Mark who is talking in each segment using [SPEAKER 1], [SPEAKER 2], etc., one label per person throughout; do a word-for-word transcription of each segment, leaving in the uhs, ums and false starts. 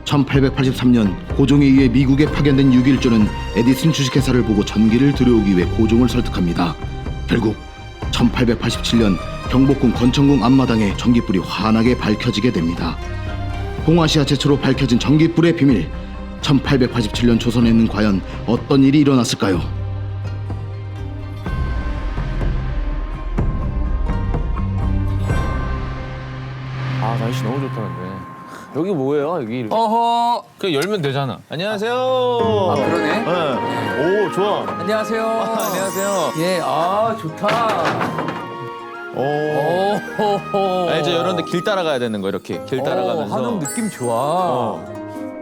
[SPEAKER 1] 천팔백팔십삼 년 고종에 의해 미국에 파견된 육일조는 에디슨 주식회사를 보고 전기를 들여오기 위해 고종을 설득합니다. 결국 천팔백팔십칠 년 경복궁 권천궁 앞마당에 전기불이 환하게 밝혀지게 됩니다. 동아시아 최초로 밝혀진 전기불의 비밀. 천팔백팔십칠 년 조선에는 과연 어떤 일이 일어났을까요?
[SPEAKER 2] 아 날씨 너무 좋다는데. 여기 뭐예요? 여기 이렇게.
[SPEAKER 3] 어허.
[SPEAKER 2] 그냥 열면 되잖아. 안녕하세요.
[SPEAKER 3] 아 그러네.
[SPEAKER 2] 네. 오 좋아.
[SPEAKER 3] 안녕하세요.
[SPEAKER 2] 안녕하세요.
[SPEAKER 3] 예, 아 좋다.
[SPEAKER 2] 오.
[SPEAKER 3] 오호호.
[SPEAKER 2] 아, 이제 이런데 길 따라가야 되는 거 이렇게 길 따라가면서.
[SPEAKER 3] 어, 한옥 느낌 좋아.
[SPEAKER 2] 어.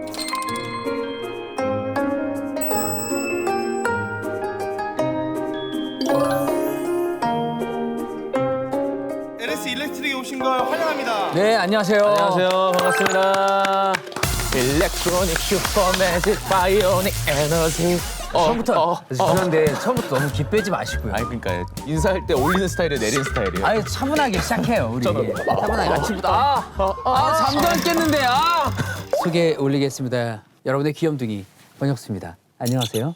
[SPEAKER 4] 엘에스 일렉트릭에 오신 걸 환영합니다.
[SPEAKER 3] 네, 안녕하세요.
[SPEAKER 2] 안녕하세요. 반갑습니다. 일렉트로닉 슈퍼매직 바이오닉 에너지. 어,
[SPEAKER 3] 처음부터
[SPEAKER 2] 어,
[SPEAKER 3] 죄송한데 처음부터 너무 기 빼지 마시고요.
[SPEAKER 2] 아니 그러니까 인사할 때 올리는 스타일이에요, 내리는 스타일이에요.
[SPEAKER 3] 아니 차분하게 시작해요 우리.
[SPEAKER 2] 저는-
[SPEAKER 3] 차분하게 아침부터 아, 아 잠도 안 깼는데 아. 소개 올리겠습니다. 여러분의 귀염둥이 권혁수입니다. 안녕하세요.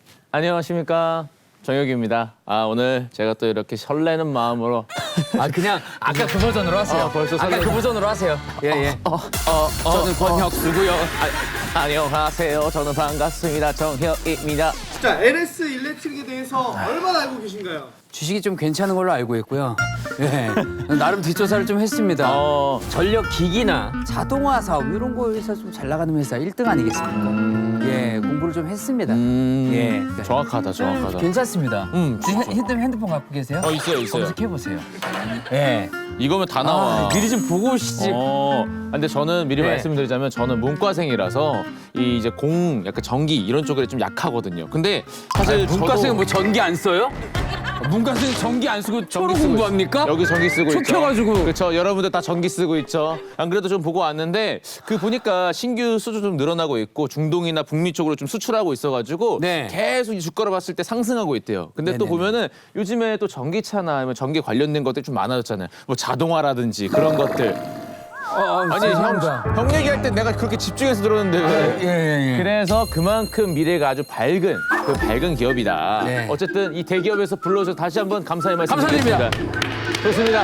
[SPEAKER 2] 안녕하십니까. 정혁입니다. 아 오늘 제가 또 이렇게 설레는 마음으로
[SPEAKER 3] 아 그냥 아까 그 버전으로 하세요.
[SPEAKER 2] 아, 벌써
[SPEAKER 3] 아까
[SPEAKER 2] 설레-
[SPEAKER 3] 그 버전으로 하세요. 예 예.
[SPEAKER 2] 어, 어,
[SPEAKER 3] 저는 권혁수고요.
[SPEAKER 2] 아, 안녕하세요. 저는 반갑습니다. 정혁입니다.
[SPEAKER 4] 자, 엘에스 일렉트릭에 대해서 얼마나 알고 계신가요?
[SPEAKER 3] 주식이 좀 괜찮은 걸로 알고 있고요. 예. 나름 뒷조사를 좀 했습니다.
[SPEAKER 2] 어,
[SPEAKER 3] 전력 기기나 자동화 사업 이런 거에서 좀 잘 나가는 회사 일 등 아니겠습니까? 예, 공부를 좀 했습니다.
[SPEAKER 2] 음,
[SPEAKER 3] 예.
[SPEAKER 2] 정확하다, 정확하다.
[SPEAKER 3] 괜찮습니다.
[SPEAKER 2] 음,
[SPEAKER 3] 핸- 핸드폰, 핸드폰 갖고 계세요?
[SPEAKER 2] 어, 있어요, 있어요.
[SPEAKER 3] 검색해 보세요. 예.
[SPEAKER 2] 이거면 다 나와.
[SPEAKER 3] 아, 미리 좀 보고 오시지.
[SPEAKER 2] 어, 근데 저는 미리
[SPEAKER 3] 네.
[SPEAKER 2] 말씀드리자면 저는 문과생이라서 이 이제 공, 약간 전기 이런 쪽에 좀 약하거든요. 근데 사실
[SPEAKER 3] 문과생은
[SPEAKER 2] 저도
[SPEAKER 3] 뭐 전기 안 써요? 문과생 전기 안 쓰고 초로
[SPEAKER 2] 쓰고
[SPEAKER 3] 공부합니까?
[SPEAKER 2] 있- 여기 전기 쓰고
[SPEAKER 3] 촉
[SPEAKER 2] 있죠.
[SPEAKER 3] 켜가지고.
[SPEAKER 2] 그렇죠. 여러분들 다 전기 쓰고 있죠. 안 그래도 좀 보고 왔는데 그 보니까 신규 수주 좀 늘어나고 있고 중동이나 북미 쪽으로 좀 수출하고 있어가지고
[SPEAKER 3] 네.
[SPEAKER 2] 계속 이 주가를 봤을 때 상승하고 있대요. 근데 또
[SPEAKER 3] 네네네.
[SPEAKER 2] 보면은 요즘에 또 전기차나 아니면 전기 관련된 것들이 좀 많아졌잖아요. 뭐 자동화라든지 그런 것들.
[SPEAKER 3] 어,
[SPEAKER 2] 아니 형,
[SPEAKER 3] 죄송합니다.
[SPEAKER 2] 형 얘기할 때 내가 그렇게 집중해서 들었는데 왜?
[SPEAKER 3] 예, 예, 예.
[SPEAKER 2] 그래서 그만큼 미래가 아주 밝은 그 밝은 기업이다.
[SPEAKER 3] 네.
[SPEAKER 2] 어쨌든 이 대기업에서 불러서 다시 한번 감사의 말씀
[SPEAKER 3] 감사드립니다.
[SPEAKER 2] 드리겠습니다. 좋습니다.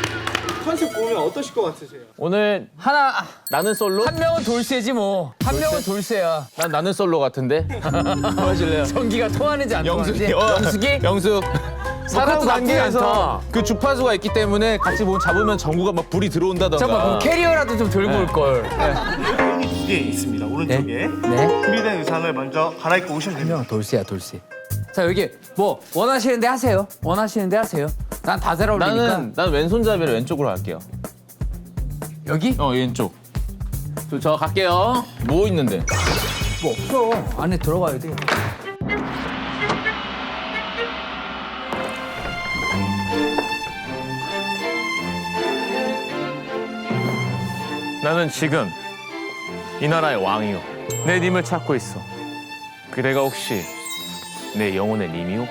[SPEAKER 4] 컨셉 보면 어떠실 것 같으세요?
[SPEAKER 2] 오늘
[SPEAKER 3] 하나,
[SPEAKER 2] 나는 솔로?
[SPEAKER 3] 한 명은 돌쇠지 뭐. 한 명은 돌쇠야.
[SPEAKER 2] 난 나는 솔로 같은데. 뭐 하실래요?
[SPEAKER 3] 전기가 통하는지 안 통하는지.
[SPEAKER 2] 영숙이. 어,
[SPEAKER 3] 영숙이?
[SPEAKER 2] 영숙. 사람
[SPEAKER 3] 그것도 나쁘지
[SPEAKER 2] 관계에서
[SPEAKER 3] 않다.
[SPEAKER 2] 그 주파수가 있기 때문에 같이 뭐 잡으면 전구가 막 불이 들어온다던가.
[SPEAKER 3] 잠깐만, 그럼 캐리어라도 좀 들고 올 걸.
[SPEAKER 4] 여기 두 개 있습니다. 오른쪽에.
[SPEAKER 3] 네.
[SPEAKER 4] 준비된 의상을 먼저 갈아입고 오시면 됩니다.
[SPEAKER 3] 명 돌쇠야, 돌쇠. 자, 여기 뭐 원하시는데 하세요. 원하시는데 하세요. 난 다 잘 어울리니까.
[SPEAKER 2] 나는 난 왼손잡이를 왼쪽으로 할게요.
[SPEAKER 3] 여기?
[SPEAKER 2] 어 왼쪽. 저, 저 갈게요. 뭐 있는데?
[SPEAKER 3] 뭐 없어. 안에 들어가야 돼.
[SPEAKER 5] 나는 지금 이 나라의 왕이요. 내 님을 찾고 있어. 그대가 혹시 내 영혼의 님이요?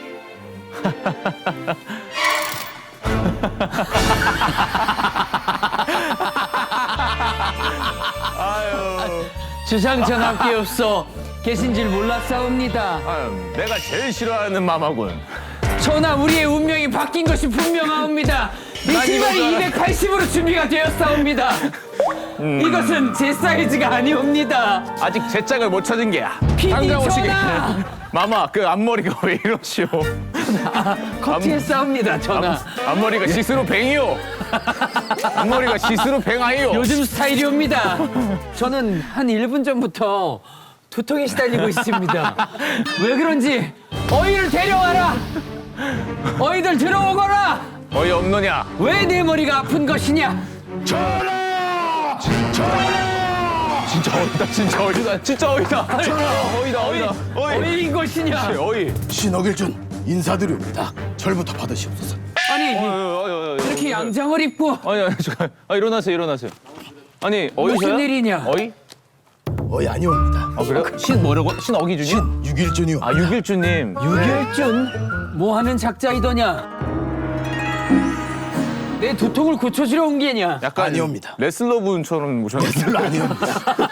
[SPEAKER 3] 주상전 함께 없어. 계신 줄 몰랐사옵니다.
[SPEAKER 5] 아유, 내가 제일 싫어하는 마마군.
[SPEAKER 3] 전하, 우리의 운명이 바뀐 것이 분명하옵니다. 이 신발이 이백팔십으로 준비가 되었사옵니다. 이것은 제 사이즈가 아니옵니다.
[SPEAKER 5] 아직 제 짝을 못 찾은 게야.
[SPEAKER 3] 피디
[SPEAKER 5] 당장 오시게.
[SPEAKER 3] 전하!
[SPEAKER 5] 마마, 그 앞머리가 왜 이러시오?
[SPEAKER 3] 커트했사옵니다, 전하.
[SPEAKER 5] 앞머리가 시스루 뱅이요. 앞머리가 시스루 뱅아이요.
[SPEAKER 3] 요즘 스타일이옵니다. 저는 한 일 분 전부터 두통에 시달리고 있습니다. 왜 그런지 어이를 데려와라. 어이들 들어오거라.
[SPEAKER 5] 어이 없느냐?
[SPEAKER 3] 왜 내 머리가 아픈 것이냐?
[SPEAKER 5] 전하! 전하! 진짜 어이다, 진짜 어이다, 진짜 어이다. 전하! 어이다,
[SPEAKER 3] 어이,
[SPEAKER 5] 어이다. 어이,
[SPEAKER 3] 어이인 것이냐?
[SPEAKER 5] 어이.
[SPEAKER 1] 신억일준 인사드립니다. 절부터 받으시옵소서.
[SPEAKER 3] 아니
[SPEAKER 2] 어이, 어이, 어이, 어이.
[SPEAKER 3] 이렇게 양장을 입고
[SPEAKER 2] 아니 아니 잠깐. 아 일어나세요 일어나세요. 아니 어이셔요?
[SPEAKER 3] 무슨 일이냐?
[SPEAKER 2] 어이?
[SPEAKER 1] 어이 아니옵니다.
[SPEAKER 2] 아 그래요? 신 뭐라고? 신 어기준이?
[SPEAKER 1] 신 육일준이요.
[SPEAKER 2] 아 육일주님.
[SPEAKER 3] 유결준 뭐 하는 작자이더냐? 내 두통을 고쳐주려 온 게냐?
[SPEAKER 5] 약간
[SPEAKER 1] 아니옵니다.
[SPEAKER 5] 레슬러 분처럼 오셨는데.
[SPEAKER 1] 별로 아니옵니다.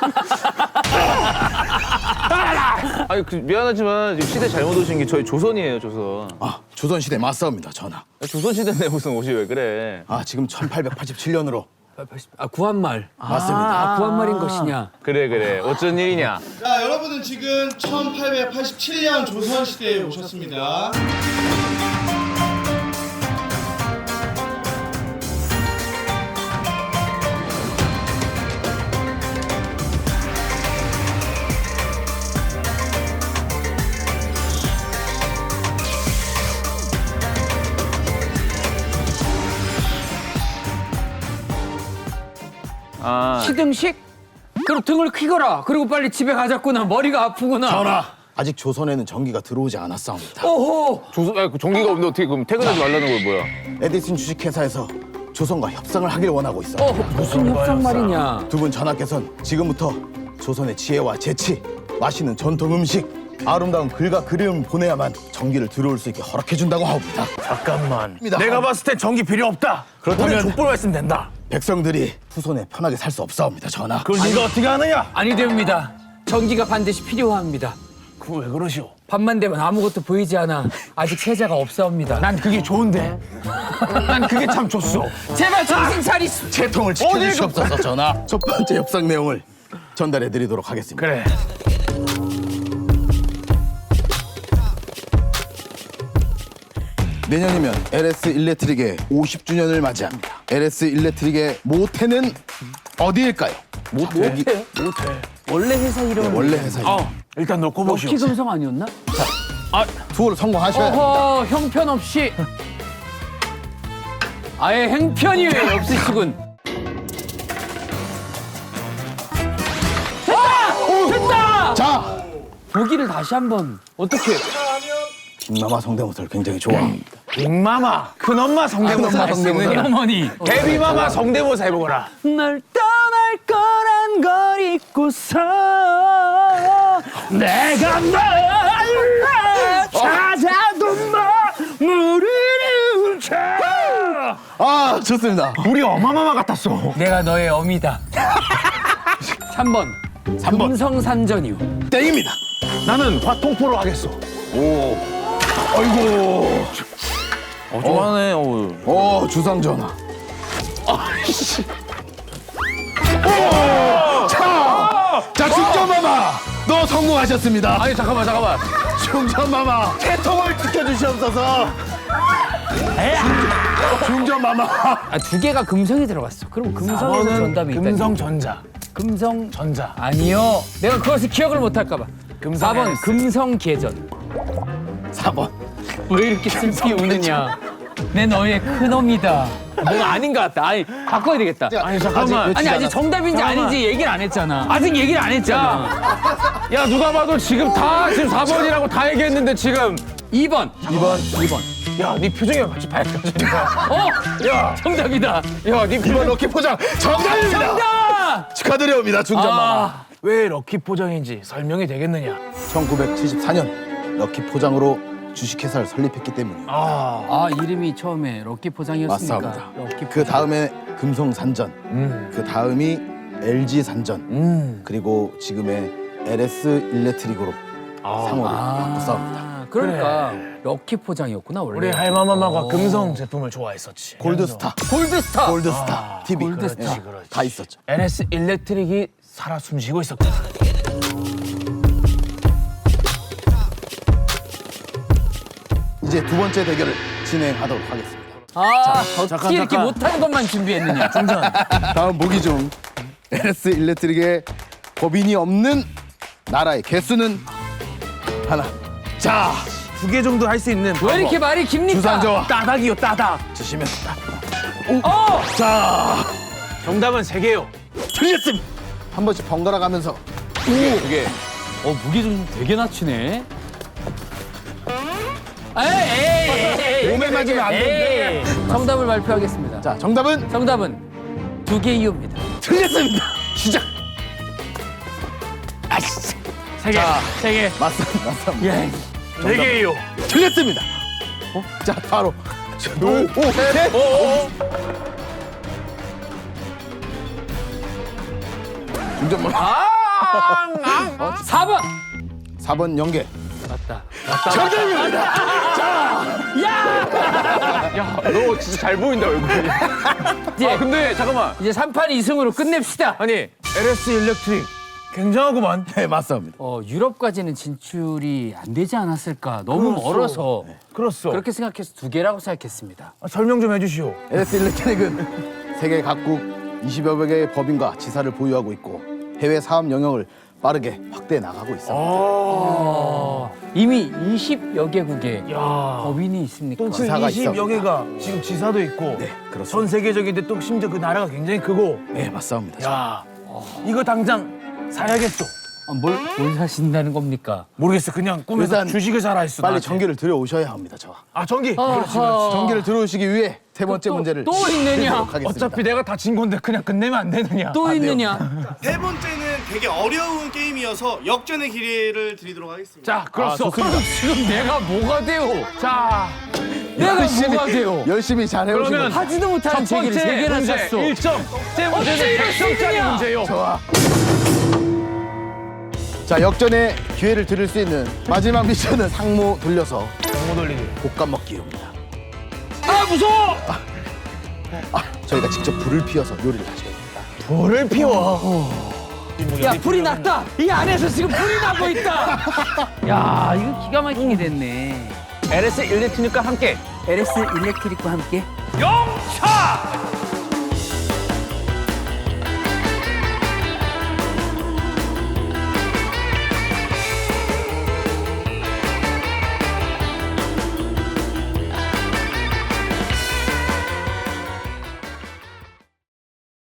[SPEAKER 5] 아니 그, 미안하지만 지금 시대 잘못 오신 게 저희 조선이에요, 조선.
[SPEAKER 1] 아, 조선시대 맞사옵니다, 전하.
[SPEAKER 5] 조선 시대인데 무슨 옷이 왜 그래?
[SPEAKER 1] 아, 지금 천팔백팔십칠 년으로
[SPEAKER 3] 아 구한말.
[SPEAKER 1] 맞습니다.
[SPEAKER 3] 아 구한말인 것이냐?
[SPEAKER 5] 그래 그래. 어쩐 일이냐?
[SPEAKER 4] 자, 여러분은 지금 천팔백팔십칠 년 조선시대에 오셨습니다.
[SPEAKER 5] 아
[SPEAKER 3] 시등식? 그럼 등을 퀴거라. 그리고 빨리 집에 가자꾸나. 머리가 아프구나.
[SPEAKER 1] 전하, 아직 조선에는 전기가 들어오지 않았사옵니다.
[SPEAKER 3] 오호.
[SPEAKER 5] 조선 아, 그 종기가 없는데 어떻게 그럼 퇴근하지 말라는 걸 뭐야?
[SPEAKER 1] 에디슨 주식회사에서 조선과 협상을 하길 원하고 있어.
[SPEAKER 3] 어 무슨 협상 말이냐?
[SPEAKER 1] 두 분 전하께서는 지금부터 조선의 지혜와 재치, 맛있는 전통 음식, 아름다운 글과 그림 보내야만 전기를 들어올 수 있게 허락해준다고 하옵니다.
[SPEAKER 5] 잠깐만.
[SPEAKER 1] 입니다.
[SPEAKER 5] 내가 봤을 땐 전기 필요 없다.
[SPEAKER 1] 그렇다면
[SPEAKER 5] 우리 족보로 했으면 된다.
[SPEAKER 1] 백성들이 후손에 편하게 살 수 없사옵니다, 전하.
[SPEAKER 5] 그걸 네가 어떻게 하느냐?
[SPEAKER 3] 아니 됩니다. 전기가 반드시 필요합니다.
[SPEAKER 5] 그거 왜 그러시오?
[SPEAKER 3] 밤만 되면 아무것도 보이지 않아. 아직 세자가 없사옵니다.
[SPEAKER 5] 난 그게 좋은데. 난 그게 참 좋소.
[SPEAKER 3] 제발 정신 차리시.
[SPEAKER 1] 채통을 지켜주시옵소서, 전하. 첫 번째 협상 내용을 전달해드리도록 하겠습니다.
[SPEAKER 5] 그래.
[SPEAKER 1] 내년이면 엘에스 일렉트릭의 오십 주년을 맞이합니다. 엘에스 일렉트릭의 모태는 어디일까요? 모태? 여기,
[SPEAKER 3] 원래 회사 이름은
[SPEAKER 1] 원래 회사.
[SPEAKER 5] 어, 일단 놓고 보시오.
[SPEAKER 3] 럭키 금성 아니었나?
[SPEAKER 1] 투어를 성공하셔야 합니다.
[SPEAKER 3] 어허 형편없이 아예 행편이 없으시군. 됐다! 됐다!
[SPEAKER 1] 자,
[SPEAKER 3] 보기를 다시 한번 어떻게?
[SPEAKER 1] 빅마마 성대모사를 굉장히 좋아합니다.
[SPEAKER 5] 빅마마, 큰엄마 성대모사
[SPEAKER 1] 큰엄마
[SPEAKER 5] 할 수
[SPEAKER 1] 성대모사.
[SPEAKER 5] 있느냐?
[SPEAKER 3] 어머니
[SPEAKER 5] 데뷔마마 성대모사 해보거라.
[SPEAKER 3] 널 떠날 거란 걸 잊고서 내가 널 찾아도 너 모르는 척.
[SPEAKER 1] 아, 좋습니다.
[SPEAKER 5] 우리 어마마마 같았어.
[SPEAKER 3] 내가 너의 어미다. 삼 번
[SPEAKER 1] 삼 번.
[SPEAKER 3] 금성산전이요.
[SPEAKER 1] 땡입니다.
[SPEAKER 5] 나는 화통포로 하겠어.
[SPEAKER 1] 아이고.
[SPEAKER 5] 어, 좋아하네. 어.
[SPEAKER 1] 어, 주상 전하. 아이씨. 오! 자, 자, 중전마마, 너 성공하셨습니다.
[SPEAKER 5] 아니 잠깐만 잠깐만.
[SPEAKER 1] 중전마마, 채통을 지켜주시옵소서. 중전마마.
[SPEAKER 3] 아, 두 개가 금성이 들어갔어. 그럼 금성에서 전답이 있다.
[SPEAKER 5] 금성전자.
[SPEAKER 3] 금성
[SPEAKER 5] 전자.
[SPEAKER 3] 아니요. 내가 그것을 기억을 못할까 봐. 사 번 금성계전.
[SPEAKER 1] 사 번.
[SPEAKER 3] 왜 이렇게 슬피 우느냐? 내 너의 큰엄이다. 뭔가 아닌 것 같다. 아니 바꿔야 되겠다.
[SPEAKER 5] 아니 잠깐만.
[SPEAKER 3] 아니 아직 정답인지
[SPEAKER 5] 잠깐만.
[SPEAKER 3] 아닌지 얘기를 안 했잖아. 아직 얘기를 안 했잖아.
[SPEAKER 5] 야 누가 봐도 지금 다 지금 사 번이라고 다 얘기했는데 지금.
[SPEAKER 3] 이 번.
[SPEAKER 1] 이 번, 이 번.
[SPEAKER 5] 야 네 표정이 같이 밝혀지니까.
[SPEAKER 3] 어?
[SPEAKER 5] 야
[SPEAKER 3] 정답이다.
[SPEAKER 5] 야 네
[SPEAKER 1] 이 번 럭키 포장 정답입니다.
[SPEAKER 3] 정답!
[SPEAKER 1] 축하드립니다, 중전마마.
[SPEAKER 3] 아,
[SPEAKER 5] 왜 럭키 포장인지 설명이 되겠느냐?
[SPEAKER 1] 천구백칠십사 년 럭키 포장으로 주식회사를 설립했기 때문이에요.
[SPEAKER 5] 아.
[SPEAKER 3] 아 이름이 처음에 럭키 포장이었으니까.
[SPEAKER 1] 맞습니다.
[SPEAKER 3] 럭키
[SPEAKER 1] 그 다음에 금성산전,
[SPEAKER 5] 음.
[SPEAKER 1] 그 다음이 엘지산전,
[SPEAKER 5] 음.
[SPEAKER 1] 그리고 지금의 엘에스 일렉트릭으로 상호를 바꿨습니다.
[SPEAKER 3] 아, 그러니까 럭키 포장이었구나 원래.
[SPEAKER 5] 우리 할마마마가 금성 제품을 좋아했었지.
[SPEAKER 1] 골드스타,
[SPEAKER 3] 골드스타.
[SPEAKER 1] 골드스타 티비
[SPEAKER 3] 골드스타.
[SPEAKER 1] 예,
[SPEAKER 5] 그렇지, 그렇지.
[SPEAKER 1] 다 있었죠.
[SPEAKER 5] 엘에스 일렉트릭이 살아 숨쉬고 있었거든.
[SPEAKER 1] 이제 두 번째 대결을 진행하도록 하겠습니다.
[SPEAKER 3] 아 어떻게
[SPEAKER 5] 잠깐,
[SPEAKER 3] 이렇게
[SPEAKER 5] 잠깐.
[SPEAKER 3] 못하는 것만 준비했느냐.
[SPEAKER 5] 중전.
[SPEAKER 1] 다음 보기 중 엘에스 일렉트릭의 법인이 없는 나라의 개수는 하나. 자,
[SPEAKER 5] 두 개 정도 할 수 있는.
[SPEAKER 3] 왜 이렇게 말이 깁니까?
[SPEAKER 1] 주상저와
[SPEAKER 5] 따닥이요 따닥.
[SPEAKER 1] 주시면
[SPEAKER 3] 어!
[SPEAKER 1] 자,
[SPEAKER 5] 정답은 세 개요.
[SPEAKER 1] 틀렸습니다. 한 번씩 번갈아 가면서
[SPEAKER 5] 두 개.
[SPEAKER 3] 어 무게 좀 되게 낮추네. 에이, 에이, 에이, 에이,
[SPEAKER 1] 몸에 맞으면 안
[SPEAKER 3] 에이. 정답을 발표하겠습니다.
[SPEAKER 1] 자, 정답은
[SPEAKER 3] 정답은 두 개 이유입니다.
[SPEAKER 1] 틀렸습니다. 시작.
[SPEAKER 5] 세 개. 세 개.
[SPEAKER 1] 맞습니다. 맞습니다.
[SPEAKER 3] 예.
[SPEAKER 5] 네 개요.
[SPEAKER 1] 틀렸습니다. 어? 자, 바로 둘, 오, 셋. 중전만.
[SPEAKER 3] 사 번.
[SPEAKER 1] 사 번 연계.
[SPEAKER 3] 맞다.
[SPEAKER 5] 야, 너 진짜 잘 보인다 얼굴이.
[SPEAKER 3] 이제,
[SPEAKER 5] 아 근데 잠깐만.
[SPEAKER 3] 이제 삼 판 이 승으로 끝냅시다.
[SPEAKER 5] 아니 엘에스 일렉트릭 굉장하구만.
[SPEAKER 1] 네, 맞습니다.
[SPEAKER 3] 어, 유럽까지는 진출이 안 되지 않았을까. 너무
[SPEAKER 5] 그렇소.
[SPEAKER 3] 멀어서.
[SPEAKER 5] 그렇소.
[SPEAKER 3] 그렇게 생각해서 두 개라고 생각했습니다.
[SPEAKER 5] 아, 설명 좀 해주시오.
[SPEAKER 1] 엘에스 일렉트릭은 세계 각국 이십여 개의 법인과 지사를 보유하고 있고 해외 사업 영역을 빠르게 확대해 나가고 있습니다.
[SPEAKER 3] 어, 이미 이십여 개국의
[SPEAKER 5] 야.
[SPEAKER 3] 법인이 있습니까?
[SPEAKER 1] 또 지사가
[SPEAKER 6] 이십여
[SPEAKER 1] 있어.
[SPEAKER 6] 개가 지금 지사도 있고
[SPEAKER 1] 네, 그렇습니다.
[SPEAKER 6] 전 세계적인데 또 심지어 그 나라가 굉장히 크고
[SPEAKER 1] 네, 맞습니다.
[SPEAKER 6] 야 이거 당장 사야겠어.
[SPEAKER 3] 아, 뭘, 뭘 사신다는 겁니까?
[SPEAKER 6] 모르겠어. 그냥 꿈에서
[SPEAKER 1] 일단
[SPEAKER 6] 주식을 사라 했어.
[SPEAKER 1] 빨리
[SPEAKER 6] 나한테.
[SPEAKER 1] 전기를 들여오셔야 합니다. 저와.
[SPEAKER 6] 아 전기.
[SPEAKER 3] 아하.
[SPEAKER 1] 전기를 들어오시기 위해 세 번째
[SPEAKER 3] 또-
[SPEAKER 1] 문제를
[SPEAKER 3] 또 있느냐?
[SPEAKER 1] 드리도록 하겠습니다.
[SPEAKER 6] 어차피 내가 다 진 건데 그냥 끝내면 안 되느냐.
[SPEAKER 3] 또
[SPEAKER 1] 안 돼요.
[SPEAKER 3] 있느냐?
[SPEAKER 4] 세 번째는 되게 어려운 게임이어서 역전의 기회를 드리도록 하겠습니다.
[SPEAKER 6] 자 그렇소.
[SPEAKER 3] 지금 내가 뭐가 돼요?
[SPEAKER 6] 자
[SPEAKER 3] 내가 뭐가 돼요?
[SPEAKER 1] 열심히 잘 해오신
[SPEAKER 6] 그러면
[SPEAKER 1] 거죠.
[SPEAKER 3] 하지도 못하는
[SPEAKER 6] 첫
[SPEAKER 3] 제기를 세
[SPEAKER 6] 번째
[SPEAKER 3] 개나
[SPEAKER 6] 문제
[SPEAKER 3] 샀어.
[SPEAKER 6] 일 점. 세 번째는
[SPEAKER 3] 어찌
[SPEAKER 6] 백 점짜리
[SPEAKER 3] 이렇게
[SPEAKER 6] 문제요.
[SPEAKER 1] 좋아. 자, 역전의 기회를 드릴 수 있는 마지막 미션은 상모 돌려서
[SPEAKER 6] 못 올리기.
[SPEAKER 1] 볶아 먹기입니다.
[SPEAKER 3] 아 무서워!
[SPEAKER 1] 아, 저희가 직접 불을 피워서 요리를 하셔야 됩니다.
[SPEAKER 6] 불을 피워.
[SPEAKER 3] 야 불이 났다! 이 안에서 지금 불이 나고 있다! 야 이거 기가 막히게 됐네.
[SPEAKER 5] 엘에스 일렉트릭과 함께
[SPEAKER 3] 엘에스 일렉트릭과 함께
[SPEAKER 6] 영차.